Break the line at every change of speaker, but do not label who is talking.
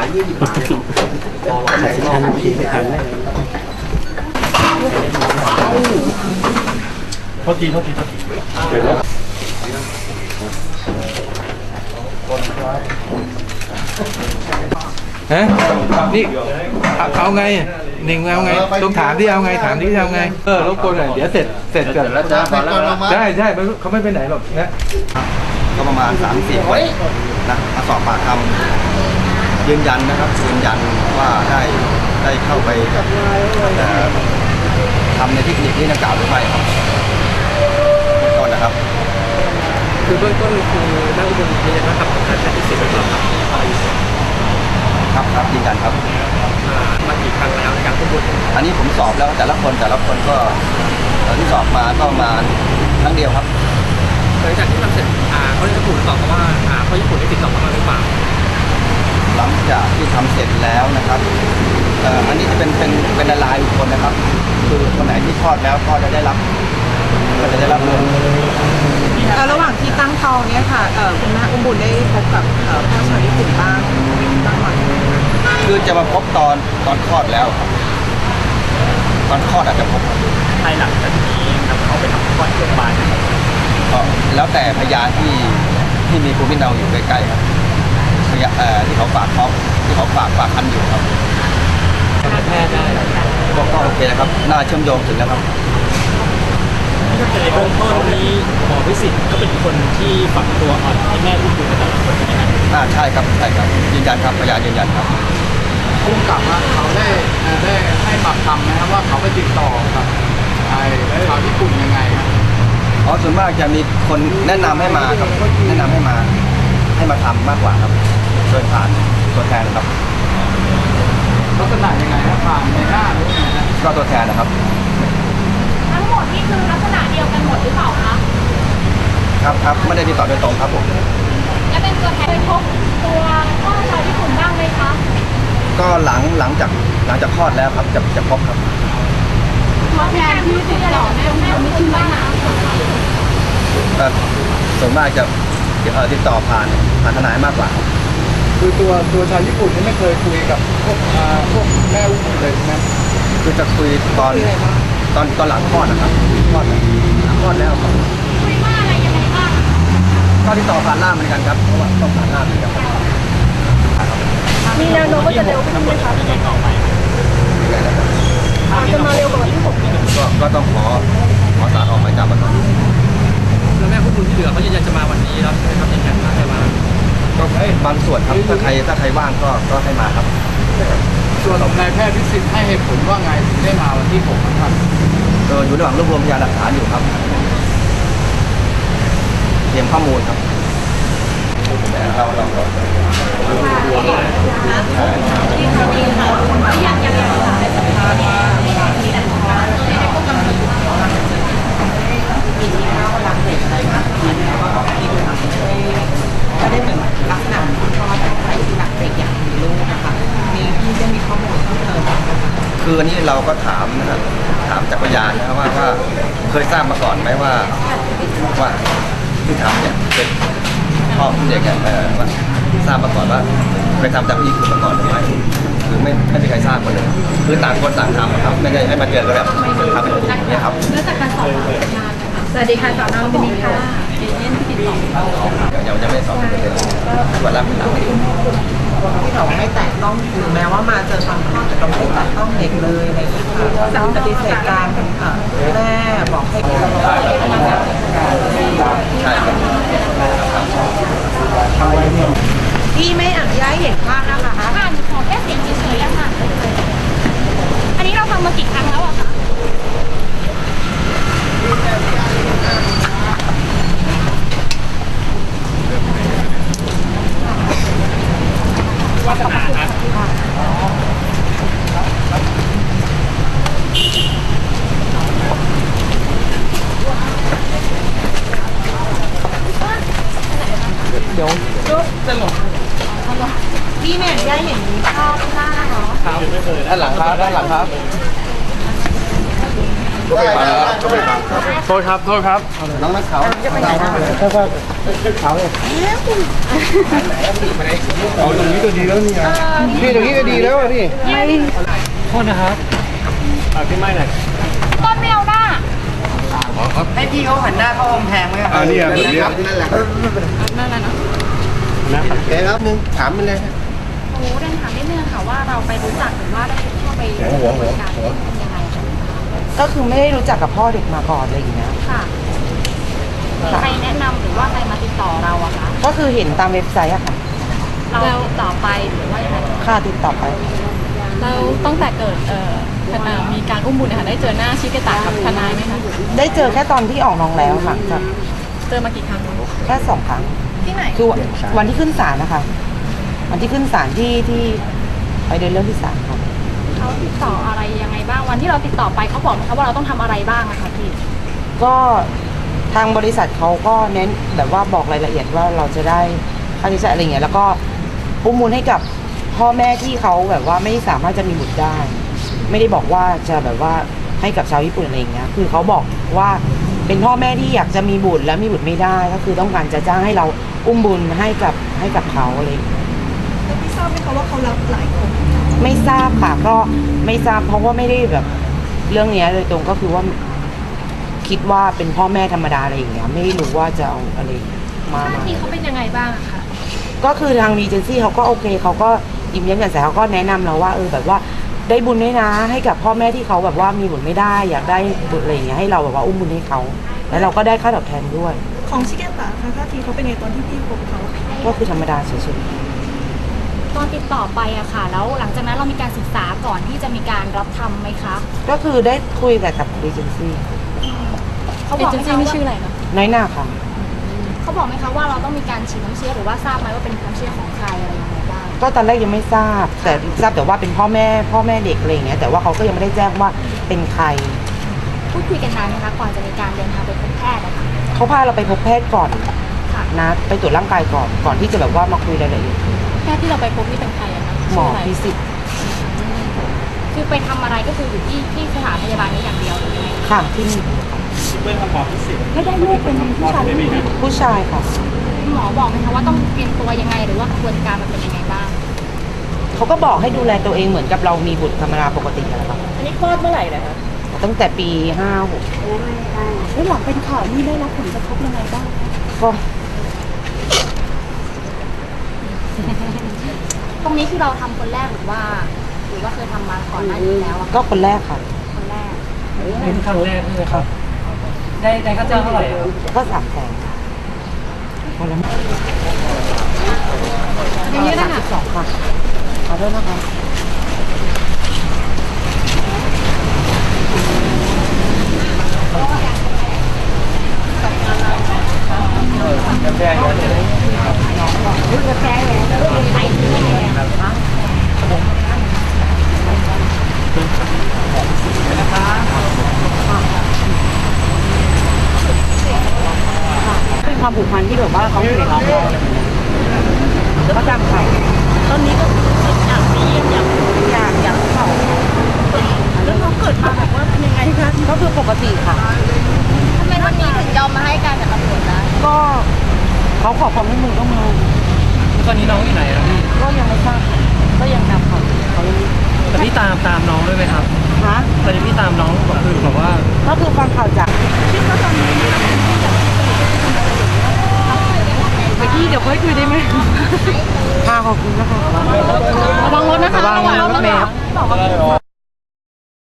ใส่ทันทีไม่ทันเลย
โทษทีฮะนี่เอาไงหนึ่งเอาไงต้องถามที่เอาไงถามที่เอาไงรบกวนหน่อยเดี๋ยวเสร็จก่อนแล้วจะได้เขาไม่ไปไหนหรอกนะ
ก็ประมาณ 3-4 คนนะมาสอบปากคำยืนยันนะครับยืนยันว่าได้เข้าไปทำในเทคนิคที่ดังกล่าวหรือไม่ครับต้นนะครับ
คือเบื้องต้นคือนักอุบลยืนยันว่าขับของการใช้ที่สิบเป็นเรา
ครับยืนยันครับ
มากี่ครั้งแล้วในการควบคุม
อันนี้ผมสอบแล้วแต่ละคนก็ที่สอบมาก็มาครั้งเดียวครับ
หลังจากที่ทำเสร็จเขาได้ถูกตอบว่าเขาญี่ปุ่นได้ติดต่อมาหรือเปล่า
หลังจากที่ทำเสร็จแล้วนะครับอันนี้จะเป็นรายบุคคลนะครับคือคนไหนที่คลอดแล้วก็จะได้รับเงิน
ระหว่างที่ตั้งท้องเนี่ยค่ะคุณแม่อุ้มบุญได้พบกับพ่อชาวญี่ปุ่นบ้างไหม
คือจะมาพบตอนคลอดแล้วครับตอนคลอดอาจจะพบ
ภายหลังจากนี้นำเขาไปทำคลอดที่โรงพยาบาล
ก็แล้วแต่พยานที่มีภูมิลำเนาอยู่ใกล้ๆครับที่เขาฝากท้องที่เขาฝากคันอยู่ครับ
แพทย์ได้
ก็โอเคนะครับน่าเชื่อมโยงถึงแล้วครับ
ในเบื้องต้นนี้หมอวิสิตก็เป็นคนที่ฝังตัวอ่อนให้แม่อุ้มบุญแต่ละคนใช่ไหม
ใช่ครับยืนยันครับพยานยืนยันครับ
ผู้กำกับว่าเขาได้ให้ปากคำนะครับว่าเขาไปติดต่อกับชาวญี่ปุ่นยังไงครับ
ส่วนมากจะมีคนแนะนำให้มาครับแนะนำให้มาทำมากกว่าครับโดยผ่านตัวแทนครับ
ลักษณะยังไงครับผ่านในหน้าหรือไงนะ
ก็ตัวแทนนะครับ
ทั้งหมดนี่คือลักษณะเดียวกันหมดหรือเปล่าคะ
ครับไม่ได้ติดต่อโดยตรงครับผม
และเป็นตัวแทนพบตัวพ่อชาวญี่ปุ่นบ้างไหมคะ
ก็หลังจากคลอดแล้วครับจะพบครับ
ตัวแทนที่ติดต่อแม่ไม่ชื่อว่านะ
ส่วนมากจะติดต่อผ่านทนายมากกว่า
คือตัวชาวญี่ปุ่นนี่ไม่เคยคุยกับพวกแม่อุ้มเลยใช่ไหม
คือจะคุยตอนหลังคลอดนะครับคลอดแล้วครับ
คุยว่าอะไรยังไงบ้าง
ก็ติดต่อผ่านล่ามเหมือนกันครับเพราะว่าต้องผ่านล่ามเหมือนกัน
มีแนวโน้มว่าจะเร็วขึ้นไหมคะจะมาเร็วกว่าที่ผม
ก็ต้องขอศาลออกหมายจับมาก่อน
แล้วแม่อุ้มบุญที่เหลือเขายืนยันจะมาวันนี้แล้วใช่ไหมครับยืนยันว่าจะมา
ก็บางส่วนครับถ้าใครว่างก็ให้มาครับ
ส่วนของนายแพทย์วิสิตให้เหตุผลว่าไงถึงได้มาวันที่6ครับ
อยู่ระหว่างรวบรวมพยานหลักฐานอยู่ครับเตรียมข้อมูลครับ
ก็ได้เหมือนลักษณะคุณพ่อตั้งใจที่รักเด็กอย่างมีลูกนะคะมีที่จะมีข้อมูลเพิ่มเติม
คืออันนี้เราก็ถามนะครับถามจากพยานนะครับว่าเคยทราบมาก่อนไหมว่าที่ทำเนี่ยเป็นพ่อของเด็กเนี่ยว่าทราบมาก่อนว่าเคยทำจากที่คุณมาก่อนหรือไม่คือไม่มีใครทราบกันเลยคือต่างคนต่างทำครับไม่ได้ให้มาเจอกันแบบทำเป็นอย่างนี้ครับ
เนื่องจากการสอบพยานสวัสดีค่ะสอนอวันนี้ค่ะ
ยังไม่สอบเลยวันรับเป็นหลัง
ที่เราไม่แตะต้องถึงแม้ว่ามาเจอความข้อแต่เราไม่แตะต้องเด็กเลยอะไรอย่างนี้ค่ะปฏิเสธการแม่บอกให้
ใช่ครับ
พี่ไม่อนุญาตเห็นภาพนะคะ
ค่ะหนูขอแค่เสียงเฉยๆค่ะอันนี้เราทำมากี่ครั้งแล้วอะคะ
วัฒนาครับ
เดี๋ยวจะหลงพี่ไม่อนุญาตเห็นภาพหน้าเนาะ
ครับ
ด้านหลังครับ
โทษครับ โทษครับ
น้องนักข่าว
เอาตรงนี้ก็ดีแล้วนี่พี่ตรงนี้ก็ดีแล้วอะพี่
โทษนะครับพี่ไม่หน่อย
ต้นไม่เอาหน้า
ให้พี่เขาหันหน้าเข้ากำแพงไหม
อันนี้แบบนี้
นั่นแหละ
นั่นแหละเนาะ
นะครับ
แกครับนึงถามไปเลย
โอ้เดินถามนิดนึงค่ะว่าเราไปรู้จักหรือว่าได้เข้าไปบริการยังไงคะ
ก็คือไม่ได้รู้จักกับพ่อเด็กมาก่อนอะไรอย่างเงี้ย
ค่ะมีใครแนะนำหรือว่าใครมาติดต่อเราอะคะ
ก็คือเห็นตามเว็บไซต์อะค่ะ
เราติดต่อไปหรือว่ายังไง
ค่าติดต่อไป
เราตั้งแต่เกิดมีการอุ้มบุญนะคะได้เจอหน้าชิเกตะกับทนายไหมคะ
ได้เจอแค่ตอนที่ออกน้องแล้วค่ะกับ
เจอมากี่ครั้ง
แค่2 ครั้ง
ที่ไหน
คือวันที่ขึ้นศาลนะคะ วันที่ขึ้นศาลที่ไปเดินเรื่องที่ศาลค่ะ
เขาติดต่ออะไรยังไงบ้าง วันที่เราติดต่อไปเขาบอกไหมคะว่าเราต้องทำอะไรบ้างอะคะพี่
ก็ทางบริษัทเขาก็เน้นแบบว่าบอกรายละเอียดว่าเราจะได้ค่าใช้จ่ายอะไรเงี้ยแล้วก็อุ้มบุญให้กับพ่อแม่ที่เขาแบบว่าไม่สามารถจะมีบุตรได้ ไม่ได้บอกว่าจะแบบว่าให้กับชาวญี่ปุ่นอะไรอย่างเงี้ยคือเขาบอกว่าเป็นพ่อแม่ที่อยากจะมีบุตรแล้วมีบุตรไม่ได้ ก็คือต้องการจะจ้างให้เราอุ้มบุญให้กับเขาอะไรอย่างเงี้ย
ไม่ทราบไหมคะว่าเขารับหลายคน
ไม่ทราบค่ะก็ไม่ทราบเพราะว่าไม่ได้แบบเรื่องเนี้ยโดยตรงก็คือว่าคิดว่าเป็นพ่อแม่ธรรมดาอะไรอย่างเงี้ยไม่ได้รู้ว่าจะเอาอะไรมา
ท่าทีเขาเป็นยังไงบ้างอะคะ
ก็คือทางรีเจนซี่เขาก็โอเคเขาก็ยิ้มแย้มแจ่มใสเขาก็แนะนำเราว่าแบบว่าได้บุญด้วยนะให้กับพ่อแม่ที่เขาแบบว่ามีบุญไม่ได้อยากได้บุตรอะไรอย่างเงี้ยให้เราแบบว่าอุ้มบุญให้เขาแล้วเราก็ได้ค่าตอบแทนด้วย
ของชิเกตะค่ะท่าทีเขาเป็นไงตอนที่พี่พบเขา
ก็คือธรรมดาเฉย
ตอนติดต่อไปอะค่ะ แล้วหลังจากนั้นเรามีการศึกษาก่อนที่จะมีการรับทำไหมคะ
ๆก็คือได้คุยแต่กับรีเจนซี่
เขา
เอบ
อก
เจ
ไหม
นซี่
คะ
นี่
ว่า
ชื่ออะไรคะ
น้อยหน้าค่ะ
เขาบอกไหมคะว่าเราต้องมีการฉีดน้ำเชื้อหรือว่าทราบไหมว่าเป็นน้ำเชื้อของใครอะไรยังไงบ้าง
ก็ตอนแรกยังไม่ทราบแต่ทราบแต่ว่าเป็นพ่อแม่เด็กอะไรอย่างเงี้ยแต่ว่าเขาก็ยังไม่ได้แจ้งว่าเป็นใคร
พูดคุยกันนานไหมคะก่อนจะมีการเดินทางไปพบแพทย์อะค่ะ
เขาพาเราไปพบแพทย์ก่อน
ค่ะ
นะไปตรวจร่างกายก่อนที่จะแบบว่ามาคุยรายละเอียด
แพทย์ที่เราไปพบนี่เป็นใครอะคะ
หมอ
ชื่ะไร
พิสิทธิ์
คือไปทำอะไรก็คืออยู่ที่สถานพยาบาลนี้อย่างเดียวหรือยังไง
ค่ะที่นี่
เป็นคำบอกพิเศษ
ไม่ได้ลูกเป็นผู้ชายหรือผู้หญิง
ผู้ชายค่ะ
หมอบอกไหมคะว่าต้องเตรียมตัวยังไงหรือว่ากระบวนการมันเป็นยังไงบ้าง
เขาก็บอกให้ดูแลตัวเองเหมือนกับเรามีบุตรธรรมดาปกติอะไรครับ
อันนี้คลอดเมื่อไหร่นะคะ
ตั้งแต่ปี56
แล้วหลังเป็นข่าวนี่ได้รับผลกระทบยังไงบ้าง
ก็
ตรงนี้คือเราทำคนแรกหรือว่าเคยทำมาก่อนหน้านี้แล้วอะ
ก็คนแรกค่ะ
คนแรก
เป็นครั้งแรกใช่ไหมครับ ได้ค่าจ้างเท่าไหร่ครับ
ก็3 แสนคนละ
อย่างนี้นะคะ
2ค่ะขอโทษนะคะ เป็นความผูกพันที่แบบว่าเขาอยู่ในน้องเราแล้วก็จำเขาตอนนี้ก็อยากมีอยากเขาแล้วเขาเกิดมาแบบว่าเป็นยังไงคะก็คือปกติค่ะ
ทำไมวันนี้ถึงยอมมาให้การกับตำรวจได้
ก็เขาขอความร่วมมือก็มา
ตอนนี้น้องอยู่ไหนครับพี่
ก็ยังไม่ทราบก็ยังจำเขายัง
แต่พี่ตามน้องด้วยไหมครับ
ฮะ
ตอนนี้พี่ตามน้องก็คือแบบว่า
ก็คือฟังข่าวจากไปที่เดี๋ยวค่อยคุยได้ไหมค่ะขอบคุณนะคะ
ระวังรถนะคะ
ระวังรถเมล์ครับ